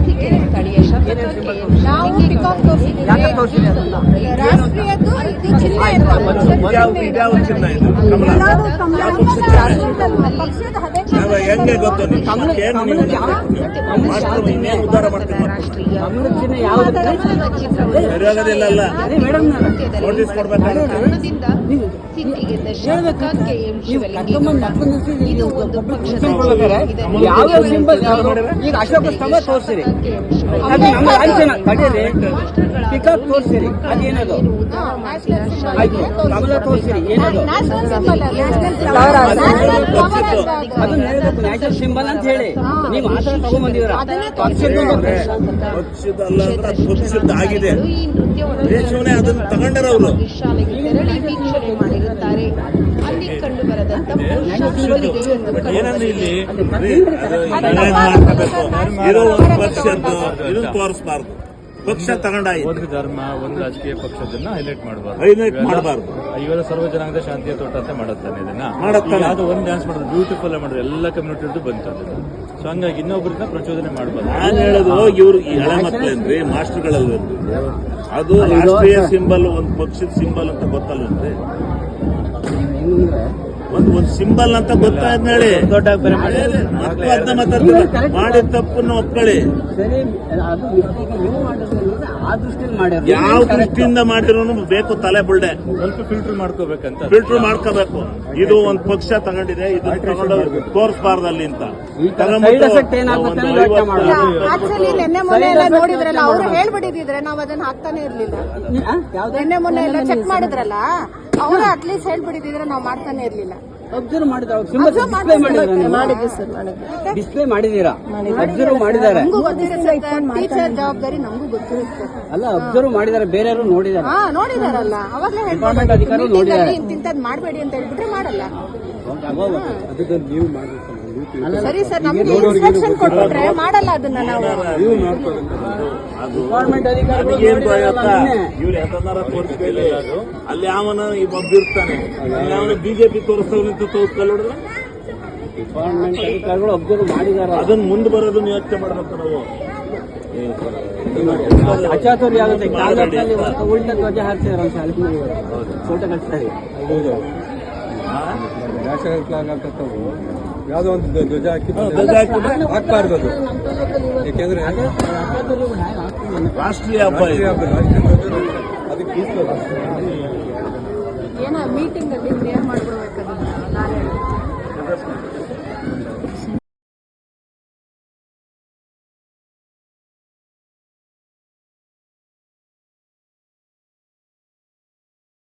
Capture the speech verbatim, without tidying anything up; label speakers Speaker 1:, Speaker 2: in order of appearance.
Speaker 1: ವೇದಿಕೆ ಸ್ಥಳೀಯ ಶಾಸಕ
Speaker 2: ನಾವು ಪಿಕಾಕ್ ತೋರಿಸಿದ್ದೀವಿ. ರಾಷ್ಟ್ರೀಯದ್ದು ಇದು ಚಿಹ್ನೆ ಇದು.
Speaker 3: ಇದ್ಯಾವ ಚಿನ್ನ ಇದು? ಕಮಲ.
Speaker 2: ಎಲ್ಲರೂ ಕಮಲ.
Speaker 3: ಯಾವ ಪಕ್ಷದ ಚಿನ್ನ ಇದು?
Speaker 2: ಪಕ್ಷದ ಹಳೆ
Speaker 3: ಯಾವ ಹೆಂಗೆ ಗೊತ್ತು ನಿಮ್ಗೆ? ಏನು ನೀವು ಮಾಸ್ಟರ್ ಇನ್ನೇನು ಉದ್ಧಾರ ಮಾಡ್ತೀವಿ? ಸರಿಯಾಗೋದಿಲ್ಲ ಅಲ್ಲ, ನೋಟಿಸ್ ಕೊಡ್ಬೇಕಾಗುತ್ತೆ.
Speaker 1: ಸಿಟ್ಟಿಗೆದ್ದ ಶಾಸಕ ಕೆ ಎಂ ಶಿವಲಿಂಗೇಗೌಡ ಇದು ಒಂದು ಪಕ್ಷದ
Speaker 4: ಯಾವ ಸಿಂಬಲ್ ಈಗ ಅಶೋಕ ಸ್ತಂಭ ತೋರಿಸಿರಿ, ಅದು ನಮ್ಮ ಲಾಂಛನ ಕಡೆಯಲ್ಲಿ ಪಿಕಾಕ್ ತೋರಿಸಿರಿ, ಅದೇನದು ಆಯ್ತು. ಕಮಲ ತೋರಿಸಿರಿ, ಏನದು
Speaker 2: ನ್ಯಾಷನಲ್ ಸಿಂಬಲ್ ನ್ಯಾಷನಲ್ ಫ್ಲವರ್
Speaker 4: ಅದು ನ್ಯಾಷನಲ್ ಸಿಂಬಲ್ ಅಂತ ಹೇಳಿ ನೀವು ಆ ಥರ ತಗೊಂಡ್ಬಂದಿದ್ರ.
Speaker 3: ಪಕ್ಷದ ಅಲ್ಲ ಅಂದ್ರೆ ಅದು ಪಕ್ಷದ ಆಗಿದೆ. ದೇಶವನ್ನೇ ಅದನ್ನ ತಗೊಂಡಾರ ಅವರು.
Speaker 1: ಶಾಲೆಗೆ ತೆರಳಿ ವೀಕ್ಷಣೆ ಮಾಡಿರುತ್ತಾರೆ. ಅಲ್ಲಿ ಕಂಡು ಬರದಂತ
Speaker 3: ಏನಂದ್ರೆ ಇಲ್ಲಿ ಮಾಡ್ಕೋಬೇಕು, ಇರೋ ಒಂದು ಪಕ್ಷದ್ದು ಇದನ್ನ ತೋರಿಸಬಾರ್ದು. ಪಕ್ಷ ತಗೊಂಡಾಯ್ತು,
Speaker 5: ಒಂದು ಧರ್ಮ ಒಂದು ರಾಜಕೀಯ ಪಕ್ಷದನ್ನ ಹೈಲೈಟ್ ಮಾಡಬಾರ್ದು,
Speaker 3: ಹೈಲೈಟ್ ಮಾಡಬಾರ್ದು.
Speaker 5: ಇವೆಲ್ಲ ಸರ್ವ ಜನಾಂಗದ ಶಾಂತಿಯ ತೋಟ ಅಂತ ಮಾಡುತ್ತಾನೆ ಇದನ್ನ
Speaker 3: ಮಾಡುತ್ತಾನೆ.
Speaker 5: ಯಾವ್ದು ಒಂದು ಡ್ಯಾನ್ಸ್ ಮಾಡೋದು ಬ್ಯೂಟಿಫುಲ್ ಮಾಡಿದ್ರೆ ಎಲ್ಲ ಕಮ್ಯುನಿಟಿ ಬಂತು ಅದನ್ನ. ಸೊ ಹಂಗಾಗಿ ಇನ್ನೊಬ್ಬರನ್ನ ಪ್ರಚೋದನೆ ಮಾಡಬಾರ್ದು.
Speaker 3: ನಾನು ಹೇಳೋದು ಇವ್ರು ಈ ಹಳೆ ಮಕ್ಕಳೇನ್ರಿ, ಮಾಸ್ಟರ್ಗಳಲ್ವೇನ್ರಿ? ಅದು ರಾಷ್ಟ್ರೀಯ ಸಿಂಬಲ್, ಒಂದು ಪಕ್ಷದ ಸಿಂಬಲ್ ಅಂತ ಗೊತ್ತಲ್ವೇನ್ರಿ? ಒಂದು ಒಂದು ಸಿಂಬಲ್ ಅಂತ ಗೊತ್ತಾಯ್ತು ಹೇಳಿ.
Speaker 4: ದೊಡ್ಡ ಬೇರೆ
Speaker 3: ಮಕ್ಕಳು ಅದನ್ನ ಮಾತಾಡ್ತಾರೆ, ಮಾಡಿದ ತಪ್ಪನ್ನು ಒಪ್ಕೊಳ್ಳಿ.
Speaker 4: ಸರಿ, ಅದು ನೀವು ಮಾಡಿದ್ರೆ ಆ ದೃಷ್ಟಿಯಲ್ಲಿ ಮಾಡ್ಯಾರ.
Speaker 3: ಯಾವ ದೃಷ್ಟಿಯಿಂದ ಮಾಡಿರೋನು ಬೇಕು ತಲೆ ಬುಲ್ಡೆ.
Speaker 5: ಸ್ವಲ್ಪ ಫಿಲ್ಟರ್ ಮಾಡ್ಕೋಬೇಕಂತ
Speaker 3: ಫಿಲ್ಟರ್ ಮಾಡ್ಕೋಬೇಕು. ಇದು ಒಂದು ಪಕ್ಷ ತಗೊಂಡಿದೆ, ಇದು ತಗೊಂಡು ತೋರಿಸಬಾರ್ದು ಅಲ್ಲಿ ಅಂತ
Speaker 2: ಆಕ್ಚುಲಿ ನಿನ್ನೆ ಮೊನ್ನೆ ಎಲ್ಲ ನೋಡಿದ್ರಲ್ಲ, ಅವ್ರು ಹೇಳ್ಬಿಟ್ಟಿದ್ರೆ ನಾವು ಅದನ್ನ ಹಾಕ್ತಾನೆ ಇರ್ಲಿಲ್ಲ. ನಿನ್ನೆ ಮೊನ್ನೆ ಎಲ್ಲ ಚೆಕ್ ಮಾಡಿದ್ರಲ್ಲ, ಅವರು ಅಟ್ಲೀಸ್ಟ್ ಹೇಳ್ಬಿಟ್ಟಿದ್ರೆ ನಾವು ಮಾಡ್ತಾನೆ ಇರ್ಲಿಲ್ಲ.
Speaker 4: ಅಬ್ಸರ್ವ್ ಮಾಡಿದ್ರೆ ಡಿಸ್ಪ್ಲೇ ಮಾಡಿದ್ದೀರಾ? ಡಿಸ್ಪ್ಲೇ ಮಾಡಿದೀರಾ? ಅಬ್ಸರ್ವ್ ಮಾಡಿದ್ದಾರೆ.
Speaker 2: ಟೀಚರ್ ಜವಾಬ್ದಾರಿ ನಮಗೂ ಗೊತ್ತಿರುತ್ತೆ.
Speaker 4: ಅಲ್ಲ, ಅಬ್ಸರ್ವ್ ಮಾಡಿದ್ದಾರೆ, ಬೇರೆಯವರು ನೋಡಿದ್ದಾರೆ.
Speaker 2: ಹಾ ನೋಡಿದಾರಲ್ಲ, ಅವಾಗಲೇ
Speaker 4: ಡಿಪಾರ್ಟ್ಮೆಂಟ್ ಅಧಿಕಾರಿಗಳು ನೋಡಿದ್ದಾರೆ.
Speaker 2: ಇಂತಿಂತದ್ ಮಾಡಬೇಡಿ ಅಂತ ಹೇಳ್ಬಿಟ್ರೆ ಮಾಡಲ್ಲ.
Speaker 4: ಅಲ್ಲ,
Speaker 2: ಸರಿ ಸರ್, ನಮ್ಗೆ ಇನ್ಸ್ಟ್ರಕ್ಷನ್ ಕೊಟ್ಬಿಟ್ರೆ ಮಾಡಲ್ಲ ಅದನ್ನ ನಾವು.
Speaker 4: ಡಿಪಾರ್ಟ್ಮೆಂಟ್ ಅಧಿಕಾರಿಗಳು
Speaker 3: ಏನ್ ಇವ್ರು ಯಾಕಂದಾರ ತೋರಿಸ್ಬೇಡಿ. ಅಲ್ಲಿ ಯಾವನ ಒಬ್ಬ ಇರ್ತಾನೆ, ಯಾವನ ಬಿಜೆಪಿ ತೋರಿಸ್ತವ್ರು ಅಂತ ತೋರಿಸ್ಕೊಳ್ಳೋದ್ರೆ
Speaker 4: ಡಿಪಾರ್ಟ್ಮೆಂಟ್ ಅಧಿಕಾರಿಗಳು ಅಬ್ಸರ್ವ್ ಮಾಡಿದ್ದಾರೆ.
Speaker 3: ಅದನ್ನ ಮುಂದೆ ಬರೋದನ್ನ ಯೋಚನೆ ಮಾಡ್ಬೇಕು ನಾವು.
Speaker 4: ಅಚಾತುರ್ಯ ಆಗುತ್ತೆ. ಕಾಂಗ್ರೆಸ್ನಲ್ಲಿ ಉಲ್ಟ ಧ್ವಜ ಹಾರಿಸಿದಾರೆ ಶಾಲೆ ಫೋಟೋ ಕಳಿಸ್ತಾರೆ.
Speaker 6: ನ್ಯಾಷನಲ್ ಫ್ಲಾಗ್ ಹಾಕತ್ತವು ಯಾವುದೋ ಒಂದು ಧ್ವಜ ಹಾಕಿ
Speaker 3: ಧ್ವಜ ಹಾಕಿ
Speaker 6: ಹಾಕ್ಬಾರ್ದು ಅದು. ಯಾಕೆಂದ್ರೆ
Speaker 3: ರಾಷ್ಟ್ರೀಯ ಹಬ್ಬ
Speaker 6: ರಾಷ್ಟ್ರೀಯ ಹಬ್ಬ, ರಾಷ್ಟ್ರೀಯ ಧ್ವಜ ಅದಕ್ಕೆ
Speaker 2: ಏನೋ ಮೀಟಿಂಗ್ ಅಲ್ಲಿ ಕ್ಲಿಯರ್ ಮಾಡ್ಬಿಡ್ಬೇಕು.